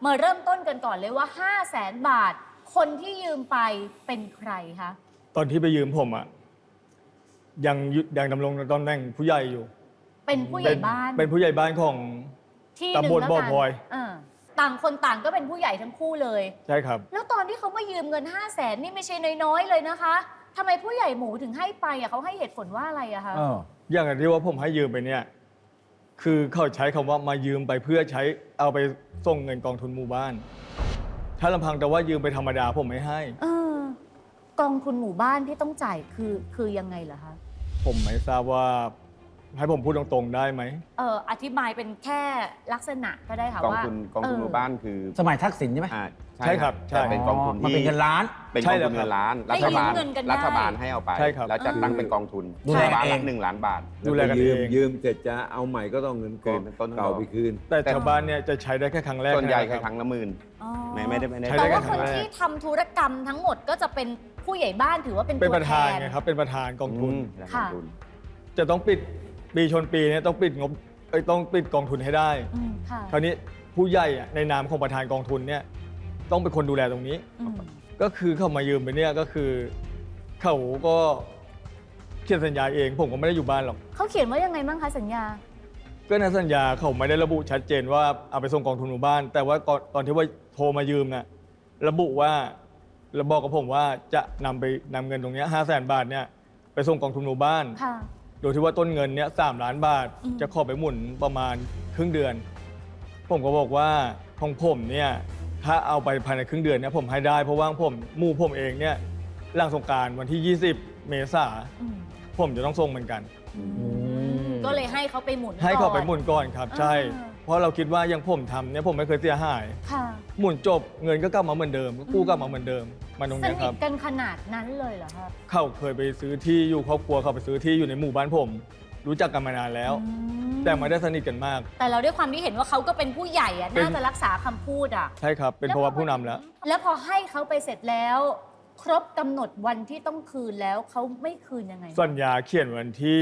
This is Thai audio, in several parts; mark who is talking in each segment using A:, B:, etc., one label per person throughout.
A: มาเริ่มต้นกันก่อนเลยว่า 500,000 บาท คนที่ยืมไปเป็นใครคะ
B: ตอนที่ไปยืมผมอ่ะยังดำรงตำแหน่งผู้ใหญ่อยู่
A: เป็นผู้ใหญ่บ้าน
B: เป็นผู้ใหญ่บ้านของ
A: ที่หนึ่ง
B: ตำบล
A: แล้ว
B: บ่อ
A: กัน
B: พลอย
A: ต่างคนต่างก็เป็นผู้ใหญ่ทั้งคู่เลย
B: ใช่ครับ
A: แล้วตอนที่เขามายืมเงิน 500,000 นี่ไม่ใช่น้อยๆเลยนะคะทำไมผู้ใหญ่หมูถึงให้ไปอ่ะเขาให้เหตุผลว่าอะไรอะคะ
B: อย่างที่ว่าผมให้ยืมไปเนี่ย คือเขาใช้คำว่ามายืมไปเพื่อใช้เอาไปส่งเงินกองทุนหมู่บ้าน ถ้าลำพังแต่ว่ายืมไปธรรมดาผมไม่ให้
A: กองทุนหมู่บ้านที่ต้องจ่ายคือยังไงเหรอคะ
B: ผมไม่ทราบว่าให้ผมพูดตรงๆได้ไหม
A: อธิบายเป็นแค่ลักษณะก็ได้ค่ะ
C: กอง
A: ว่า
C: ทุนหมู่บ้านคือ
D: สมัยทักษิณใช่ไหม
B: ใช่ครับใช่
C: แต่เป็นกองทุน
D: มัน
C: ที่
D: เป็นเงินล้าน
C: เป็นกองทุนเงินล้าน รัฐบาล
A: ให้ยืมเงินกันได้
C: รัฐบาลให้เอาไป
B: ใช่ครับ
C: แล้วจัดตั้งเป็นกองทุน
D: ดูแล
C: บ้าน
D: เอ
C: ละ
D: ง
C: 1 ล้านบาท
B: ดูแลกันเอง
E: ยืมเสร็จจะเอาใหม่ก็ต้องเงิน
C: คืนเป็นต้น
E: เก่าไปคืน
B: แต่ชาวบ้านเนี่ยจะใช้ได้แค่ครั้งแรก
C: ส่วนใหญ่แค่
B: นะ
C: ครั้งละหมื่น
A: อ๋อ
C: ไม่ได้
B: ใช้
A: แต่
B: ได้
A: ว่า
B: แค่
A: คน
B: ครั้งแรก
A: ที่ทำธุรกรรมทั้งหมดก็จะเป็นผู้ใหญ่บ้านถือว่าเป็น
B: เป็น
A: ตัว
B: ประ
A: แท
B: ธาน
A: น
B: ไงครับเป็นประธานกองทุน
A: ค่ะ
B: จะต้องปิดปีชนปีเนี่ยต้องปิดงบต้องปิดกองทุนให้ได้
A: ค่ะ
B: คราวนี้ผู้ใหญ่อะในนามของประธานกองทุนเนี่ยต้องเป็นคนดูแลตรงนี้
A: อืม
B: ก็คือเขามายืมไปเนี่ยก็คือเขาก็เขียนสัญญาเองผมก็ไม่ได้อยู่บ้านหรอก
A: เขาเขียนว่ายังไงบ้างคะสัญญา
B: ก็ในสัญญาเขาไม่ได้ระบุชัดเจนว่าเอาไปส่งกองทุนหมู่บ้าน แต่ว่าตอนที่ว่าโทรมายืมน่ะระบุว่าระบอกกับผมว่าจะนำเงินตรงเนี้ย500,000 บาทเนี่ยไปส่งกองทุนหมู่บ้าน
A: ค่ะ
B: โดยที่ว่าต้นเงินเนี่ย3 ล้านบาท
A: อืม
B: จะขอไปหมุนประมาณครึ่งเดือน ผมก็บอกว่าของผมเนี่ยถ้าเอาไปภายในครึ่งเดือนเนี่ยผมให้ได้เพราะว่าผมเองเนี่ยหลังสงกรานต์วันที่ 20 เมษา
A: อืม
B: ผมจะต้องส่งเหมือนกัน
A: ก็เลยให้เขาไปหมุน
B: ให้เขาไป
A: ก่อน
B: หมุนก่อนครับ ใช่
A: อ่า
B: เพราะเราคิดว่าอยังผมทำเนี่ยผมไม่เคยเสียหาย
A: ค่ะ
B: หมุนจบเงินก็กลับมาเหมือนเดิมก็กู้กลับมาเหมือนเดิมมาตรง
A: ส
B: เนี้ย
A: นิ
B: ครั
A: ท
B: บ
A: กันขนาดนั้นเลยเหรอคะ
B: เขาเคยไปซื้อที่อยู่ครอบครัวเขาไปซื้อที่อยู่ในหมู่บ้านผม รู้จักกันมานานแล้ว
A: อื
B: แต่ไม่ได้สนิทกันมาก
A: แต่เราด้วยความที่เห็นว่าเขาก็เป็นผู้ใหญ่อะ
B: เป็น
A: น่าจะรักษาคำพูดอะ
B: ใช่ครับเป็นเพราะว่าผู้นำแล้ว
A: แล้วพอให้เขาไปเสร็จแล้ว ครบกำหนดวันที่ต้องคืนแล้วเขาไม่คืนยังไง
B: สัญญาเขียนวันที่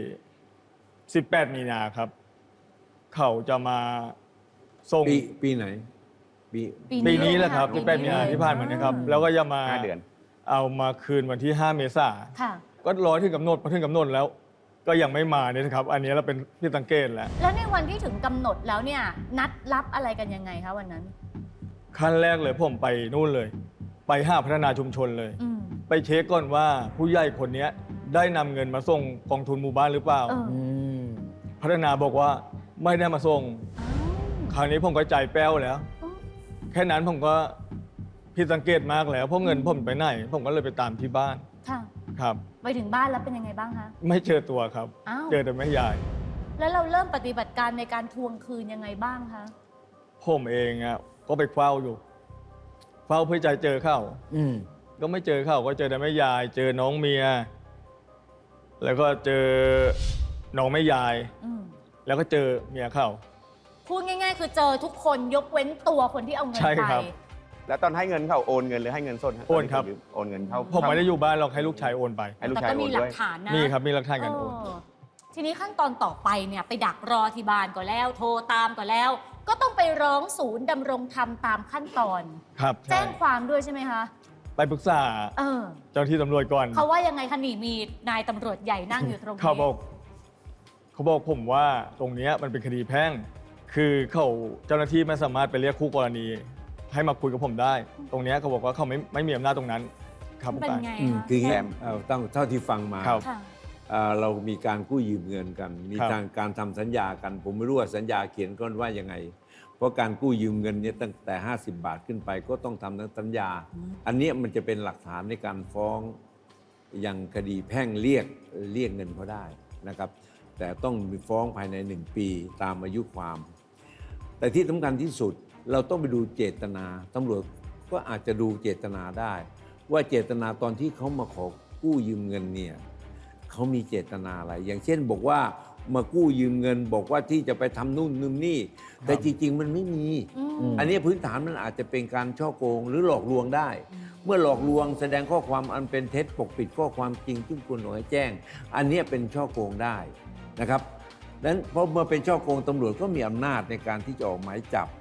B: 18 มีนาครับ เขาจะมาส่ง
E: ปีไหน ปี
B: ปีนี้แหละครับ
A: ปี
B: 18 มีนาที่ผ่านมานะครับ แล้วก็จะมา
C: 5 เดือน
B: เอามาคืนวันที่ 5 เมษา
A: ค่ะ
B: ก็รอถึงกำหนดพอถึงกำหนดแล้ว ก็ยังไม่มาเนี่ยนะครับ อันนี้เราเป็นที่สังเกตแล้ว
A: แล้วในวันที่ถึงกำหนดแล้วเนี่ย นัดรับอะไรกันยังไงคะวันนั้น
B: ขั้นแรกเลยผมไปนู่นเลย ไปห้าพัฒนาชุมชนเลย
A: อืม
B: ไปเช็คก่อนว่าผู้ใหญ่คนเนี้ยได้นำเงินมาส่งกองทุนหมู่บ้านหรือเปล่า
A: เออ
B: พัฒนาบอกว่าไม่ได้มาส่ง
A: อ้าว
B: คราวนี้ผมก็ใจแป้วแล้ว
A: อ๋อ
B: แค่นั้นผมก็ผิดสังเกตมากแล้ว เพราะเงินผมไปไหน ผมก็เลยไปตามที่บ้าน
A: ค่ะ
B: ครับ
A: ไปถึงบ้านแล้วเป็นยังไงบ้างคะ
B: ไม่เจอตัวครับ
A: อ้าว
B: เจอแต่แม่ยาย
A: แล้วเราเริ่มปฏิบัติการในการทวงคืนยังไงบ้างคะ
B: ผมเองอ่ะก็ไปเฝ้าอยู่ เฝ้าเพื่อจะเจอเข้า ก็ไม่เจอเข้าก็เจอแต่แม่ยาย เจอน้องเมีย แล้วก็เจอน้องแม่ยาย
A: อืม
B: แล้วก็เจอเมียเข้า
A: พูดง่ายๆ คือเจอทุกคนยกเว้นตัวคนที่เอาเงิน
B: ใช่
A: ไป
B: ครับ
C: แล้วตอนให้เงินเขาโอนเงินหรือให้เงินสด
B: โอนครับ
C: โอนเงินเข้า
B: ผมไม่ได้อยู่บ้านหรอกให้ลูกชายโอนไป
C: ให้ลูก
A: แต่
C: ชาย
A: ก็
C: โอ
A: มี
C: น
A: หลั
C: ด้วย
A: กฐานนะ
B: มีครับมีหลักฐานการโอน
A: ทีนี้ขั้นตอนต่อไปเนี่ยไปดักรอที่บ้านก็แล้ว โทรตามก็แล้ว ก็ต้องไปร้องศูนย์ดำรงธรรมตามขั้นตอน
B: ครับ
A: แจ้
B: ใช่
A: งความด้วยใช่ไหมคะ
B: ไปปรึกษา
A: เออ
B: เจ้าหน้าที่ตำรวจก่อน
A: เขาว่ายังไงคะนี่มีนายตำรวจใหญ่นั่งอยู่ตรงนี้
B: เขาบอกผมว่าตรงเนี้ยมันเป็นคดีแพ่ง คือเขาเจ้าหน้าที่ไม่สามารถไปเรียกคู่กรณี ให้มาคุยกับผมได้ ตรงเนี้ยเขาบอกว่าเขาไม่มีอำนาจตรงนั้นครับ
A: มัน
B: ผู้
A: เป็น
B: การ
A: ไง
E: คืออย่าง
A: คะ
E: นี้ต้องเท่าที่ฟังมา
B: ครับ
A: ค่ะ
E: เรามีการกู้ยืมเงินกัน มี
B: ครับ
E: การทำสัญญากัน ผมไม่รู้ว่าสัญญาเขียนก้อนว่ายังไง เพราะการกู้ยืมเงินเนี่ยตั้งแต่ 50 บาทขึ้นไป ก็ต้องทำทั้งสัญญา อันเนี้ยมันจะเป็นหลักฐานในการฟ้องอย่างคดีแพ่งเรียกเงินเขาได้นะครับ แต่ต้องมีฟ้องภายใน 1 ปีตามอายุความ แต่ที่สำคัญที่สุดเราต้องไปดูเจตนาตำรวจก็อาจจะดูเจตนาได้ ว่าเจตนาตอนที่เขามาขอกู้ยืมเงินเนี่ยเขามีเจตนาอะไร อย่างเช่นบอกว่ามากู้ยืมเงิน บอกว่าที่จะไปทำนู่นนู่นนี่ แต่จริงๆมันไม่มี อันนี้พื้นฐานมันอาจจะเป็นการฉ้อโกงหรือหลอกลวงได้ เมื่อหลอกลวงแสดงข้อความอันเป็นเท็จปกปิดข้อความจริงซึ่งควรให้แจ้ง อันนี้เป็นฉ้อโกงได้นะครับดังนั้นเพราะเมื่อเป็นฉ้อโกงตำรวจก็มีอำนาจในการที่จะออกหมายจับ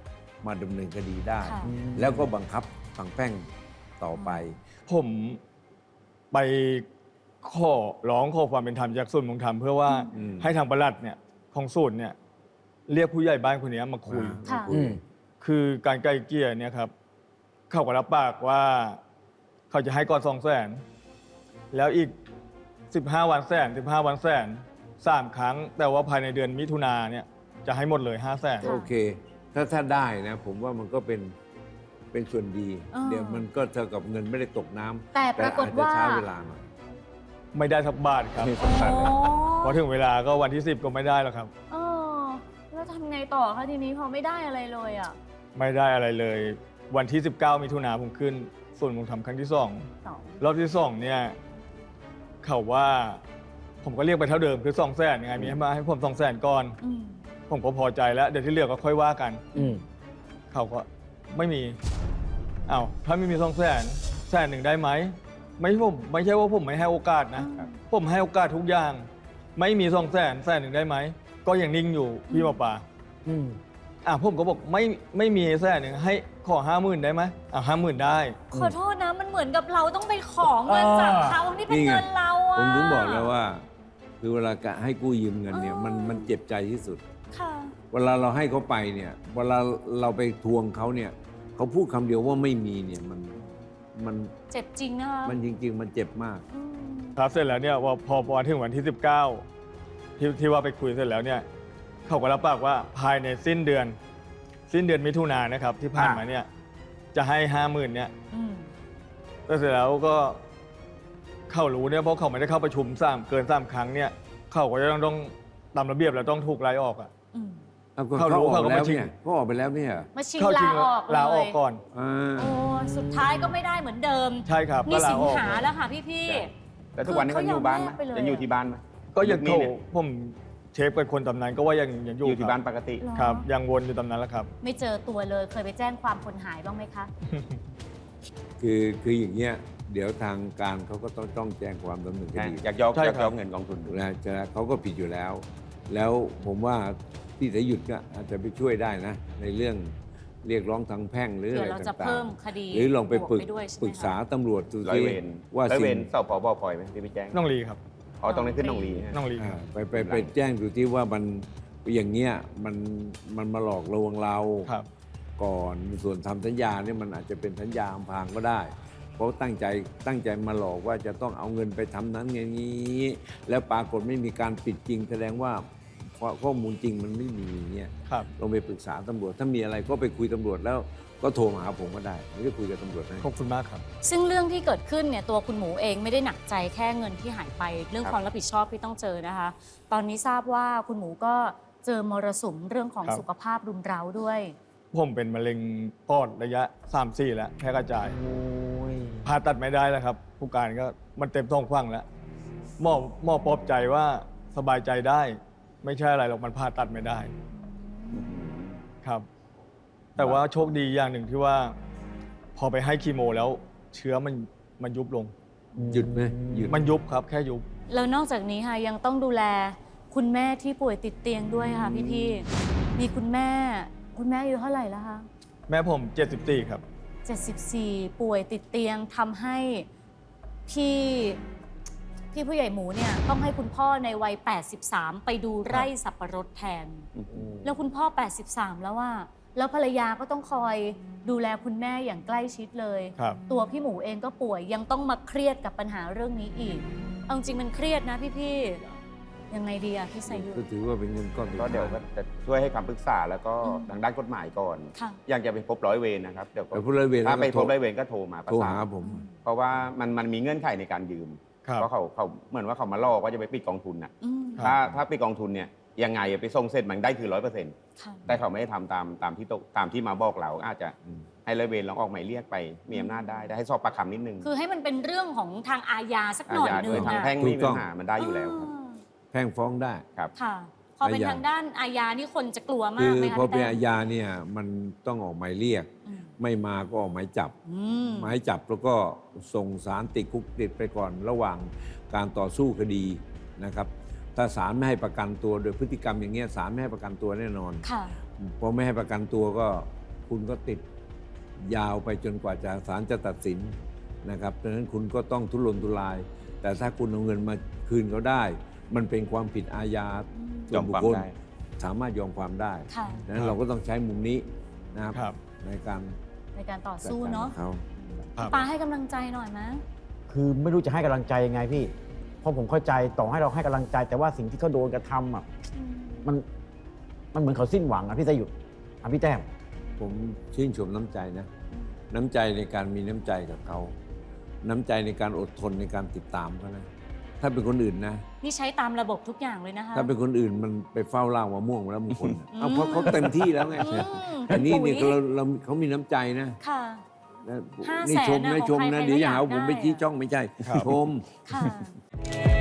E: มาดำเนินคดีได้
A: ค่ะ
E: แล้วก็บังคับทางแพ่งต่อไป
B: ผมไปขอร้องขอความเป็นธรรมจากศูนย์ดำรงธรรมเพื่อว่า
E: อืม
B: ให้ทางปลัดเนี่ยของศูนย์เนี่ยเรียกผู้ใหญ่บ้านคนนี้มาคุย
A: ค่ะ
B: คือการไกลเกลี่ยเนี่ยครับเขาก็รับปากว่าเขาจะให้ก่อน200,000แล้วอีก15 วัน15 วัน3 ครั้ง แต่ว่าภายในเดือนมิถุนาเนี่ยจะให้หมดเลย500,000
E: โอเค ถ้าได้นะ ผมว่ามันก็เป็นส่วนดี เดี๋ยวมันก็เท่ากับเงินไม่ได้ตกน้ำ
A: แต่ปรากฏว่า
E: อาจจะช้าเวลาหน่อย
B: ไม่ได้สักบาทครับ
C: มีสงสาร
A: โอ้
B: พอถึงเวลาก็วันที่ 10 ก็ไม่ได้แล้วครับ
A: เออแล้วทำไงต่อคะทีนี้พอไม่ได้อะไรเลยอ่ะ
B: ไม่ได้อะไรเลย วันที่ 19 มิถุนาผมขึ้นส่วนย์ผมทำครั้งที่
A: สอง
B: 2 รอบที่ 2 เนี่ยเขาว่าผมก็เรียกไปเท่าเดิมคือ200,000ยังไงมีให้มาให้ผม200,000ก่อน
A: อืม
B: ผมก็พอใจแล้วเดี๋ยวที่เหลือก็ค่อยว่ากัน เขาก็ไม่มีอ้าวถ้าไม่มี200,000 100,000ได้ไหมไม่ใช่ว่าผมไม่ให้โอกาสนะ ผมให้โอกาสทุกอย่าง ไม่มี200,000 100,000ได้ไหมก็ยังนิ่งอยู่พี่หมอปลาผมก็บอกไม่มี100,000ให้ขอ50,000ได้ไหม50,000ได้
A: ขอโทษนะมันเหมือนกับเราต้องไปขอเงินจากเขาที่เป็น
E: นี่ไง
A: เงินเราอ่ะ
E: ผมถึงบอกแล้วว่า คือเวลาให้กู้ยืมเงินเนี่ย มันเจ็บใจที่สุด
A: ค่ะ
E: เวลาเราให้เขาไปเนี่ย เวลาเราไปทวงเขาเนี่ยเขาพูดคำเดียวว่าไม่มีเนี่ยมัน
A: เจ็บจริงนะคะ
E: มันจริง ๆ มันเจ็บมาก
A: อืม
B: ครับเสร็จแล้วเนี่ยว่าพอถึงวันที่ 19ที่ว่าไปคุยเสร็จแล้วเนี่ยเขาก็รับปากว่าภายในสิ้นเดือนมิถุนายนนะครับที่ผ่านมาเนี่ยจะให้50,000เนี่ย
A: อืม
B: แต่เสร็จแล้วก็เขารู้เนี่ยเพราะเขาไม่ได้เข้าประชุมเกิน3 ครั้งเนี่ยเขาก็จะต้องตามระเบียบแล้วต้องถูกไล่ออกอ่ะ
A: อืม
E: เอาก็
B: เขารู้
E: เขาออก
B: เขาก็
E: แล้ว
B: มาชิง
E: เนี่ยเขาออกไปแล้วเนี่ย
A: มาชิง
B: เข้าจริ
A: ลาง ออกเลย
B: ลาออกก่อน
E: อ่า
A: โอ้สุดท้ายก็ไม่ได้เหมือนเดิม
B: ใช่ครับ
A: นี่
B: ก็ลา
A: สิง
B: ออก
A: หาแล้วค่ะพี่
C: ใช่ แล้วทุกวันนี้เขาอยู่บ้านไหม
A: เขายอมแลกไปเลย
C: ยังอยู่ที่บ้านไหม
B: ก็ยัง
C: ยุคนี้เนี่ย
B: ผมเชฟเป็นคนตำนานก็ว่ายังอยู่
C: อยู่ที่บ้าน
B: ค
C: ป
B: รับ
C: กติ
A: เหรอ
B: ครับยังวนอยู่ตำนานแล้วครับ
A: ไม่เจอตัวเลยเคยไปแจ้งความคนหายบ้างไหมคะ
E: คืออย่างเงี้ยเดี๋ยวทางการเขาก็ต้องแจ้งความดำเนินคดี
C: อยากยอก
B: ใช่
C: อยาก
B: ครับ
C: ยอกเงินกองทุน
E: นะจะเขาก็ผิดอยู่แล้ว แล้วผมว่าพี่สายหยุดก็อาจจะไปช่วยได้นะ ในเรื่องเรียกร้องทางแพ่งหรือ
A: เดี๋
E: อะ
A: ยว
E: ไร
A: เราจะ
E: ต่า
A: เพิ่
E: ง
A: มคดี
E: ๆหรือลองไป
A: บวก
E: ปรึก
A: ด้วยใช่ไหม
E: ปรึกษา
A: คะ
E: ตำรวจดู
C: ร้อย
E: สิ
C: เวร
E: ว่า
C: ร้อยเว
E: สิ่
C: รง สพบพลอยไหมที่ไปแจ้ง
B: น้องลีครับ
C: อ๋อตรงนี้ขึ้นน้องลี
B: น้องลี
E: อ่า
B: ครับ
E: ไปแจ้งดูที่ว่ามันอย่างเงี้ยมันมาหลอกลวงเรา
B: ครับ
E: ก่อนส่วนทำสัญญาเนี่ยมันอาจจะเป็นสัญญาอำพรางก็ได้ เพราะตั้งใจมาหลอกว่าจะต้องเอาเงินไปทำนั้นอย่างนี้ แล้วปรากฏไม่มีการปิดจริง แสดงว่าข้อมูลจริงมันไม่มีเนี่ย
B: ครับ
E: ลองไปปรึกษาตำรวจ ถ้ามีอะไรก็ไปคุยตำรวจแล้วก็โทรมาหาผมก็ได้ไม่ได้คุยกับตำรวจนะ
B: ขอบคุณมากครับ
A: ซึ่งเรื่องที่เกิดขึ้นเนี่ยตัวคุณหมูเองไม่ได้หนักใจแค่เงินที่หายไปเรื่อง
C: ครับ
A: ความรับผิดชอบที่ต้องเจอนะคะ ตอนนี้ทราบว่าคุณหมูก็เจอมรสุมเรื่องของ
B: ครับ
A: สุขภาพรุมเร้าด้วย
B: ผมเป็นมะเร็งปอดระยะ 3-4 แล้วแพร่กระจายผ่าตัดไม่ได้แล้วครับ ผู้การก็มันเต็มท้องฟังแล้วหมอปลอบใจว่าสบายใจได้ ไม่ใช่อะไรหรอกมันผ่าตัดไม่ได้ครับ แต่ว่าโชคดีอย่างหนึ่งที่ว่า พอไปให้คีโมแล้วเชื้อมันยุบลง
E: หยุดไหมหยุด
B: มันยุบครับแค่ยุบ
A: แล้วนอกจากนี้ค่ะยังต้องดูแลคุณแม่ที่ป่วยติดเตียงด้วยค่ะพี่ๆมีคุณแม่อายุเท่าไหร่แล้วคะ
B: แม่ผม 74 ครับ
A: 74 ป่วยติดเตียงทำให้พี่ผู้ใหญ่หมูเนี่ยต้องให้คุณพ่อในวัย 83 ไปดูไร่สับปะรดแทน แล้วคุณพ่อ 83 แล้วว่าแล้วภรรยาก็ต้องคอยดูแลคุณแม่อย่างใกล้ชิดเลย
B: ครับ
A: ตัวพี่หมูเองก็ป่วยยังต้องมาเครียดกับปัญหาเรื่องนี้อีก เอาจริงมันเครียดนะพี่ๆยังไงดีอะพี่สายุทธ
E: ก็ถือว่าเป็นเงินก้อนสุ
C: ก็
E: ท้า
C: เดี๋ยวก็จะช่วยให้คำปรึกษาแล้วก็
A: อืม
C: ทางด้านกฎหมายก่อน
A: ค่ะ
C: อยากจะไปพบร้อยเวรนะครับเดี๋ยวก็
E: ไปพบร้อยเวร
C: ถ้าไป
E: แล้วก็
C: พบร้อยเวรก็โทรมาประ
E: โทร
C: สา
E: หาน ผม
C: เพราะว่ามันมีเงื่อนไขในการยืม
B: ครับ
C: เพราะเขาเหมือนว่าเขามาล่อว่าจะไปปิดกองทุนน่ะ
A: อืม
B: ครับ
C: ถ้าปิดกองทุนเนี่ยยังไงไปส่งเสร็จมันได้คือ100%
A: ค่ะ
C: แต่เขาไม่ได้ทำตามที่มาบอกเราอาจจะ
E: อืม
C: ให้ร้อยเวรลองออกหมายเรียกไปมีอำนาจได้ให้สอบปากคำนิดนึง
A: คือให้มันเป็นเรื่องของทางอาญาสักห
C: อา
A: น่อย
C: ญา
A: หนึ
C: โดย
A: ง
C: ทาง
A: อะ
C: แพ่ง
E: ถู
C: ไม่
E: ก
C: มี
E: ต้
C: ปั
E: อง
C: ญหามันได้อยู่แล้วครับ
E: แพ่งฟ้องได้
C: ครับ
A: ค่ะ พอเป็น
E: อาญา
A: ทางด้านอาญานี่คนจะกลัว
E: คื
A: มาก
E: อ
A: ไหมคะ
E: พอเป็น
A: พี่แต้ม
E: อาญาเนี่ยมันต้องออกหมายเรียก
A: อืม
E: ไม่มาก็ออกหมายจับ
A: อืม
E: หมายจับแล้วก็ส่งสารติดคุกติดไปก่อนระหว่างการต่อสู้คดีนะครับ ถ้าศาลไม่ให้ประกันตัวโดยพฤติกรรมอย่างเงี้ยศาลไม่ให้ประกันตัวแน่นอน
A: ค่ะ
E: พอไม่ให้ประกันตัวก็คุณก็ติดยาวไปจนกว่าศาลจะตัดสินนะครับดังนั้นคุณก็ต้องทุรนทุราย แต่ถ้าคุณเอาเงินมาคืนเขาได้ มันเป็นความผิดอาญาส่วนบุคคล
C: ยอมความได้
E: สามารถยอมความได้
A: ค่ะ
E: ดังนั้นเราก็ต้องใช้มุมนี้นะครับ
B: ครับ
E: ในการ
A: ในการต่อ
E: จัด
A: สู้
E: การ
A: เนาะ
E: กับเขา
B: ครับ
A: ปาให้กำลังใจหน่อยนะ
D: คือไม่รู้จะให้กำลังใจยังไงพี่ เพราะผมเข้าใจต่อให้เราให้กำลังใจ แต่ว่าสิ่งที่เขาโดนกระทำอ่ะมันเหมือนเขาสิ้นหวังอ่ะพี่สยุทธอ่ะพี่แต้ม
E: ผมชื่นชมน้ำใจนะ น้ำใจในการมีน้ำใจกับเขา น้ำใจในการอดทนในการติดตามเขานะ ถ้าเป็นคนอื่นนะ
A: นี่ใช้ตามระบบทุกอย่างเลยนะคะ
E: ถ้าเป็นคนอื่นมันไปเฝ้าล่างมะม่วงแล้วบางคนน่ะเอาเพราะเขาเต็มที่แล้วไง
A: อืม
E: อันนี้
A: พี่
E: นี่
A: ปุ๋ย
E: เราเขามีน้ำใจนะ
A: ค่ะ
E: นะ
A: 500,000
E: นี่ชม
A: นะ
E: นะ
A: ของ
E: ชม
A: ใคร
E: นะ
A: ใคร
E: เดี๋ยว
A: ก็
E: อย่าหา
A: อยาก
E: ว่าผมไป
A: ได้
E: ชี้จ้องไม่ใช่
B: ครับ
E: ชม
A: ค่ะ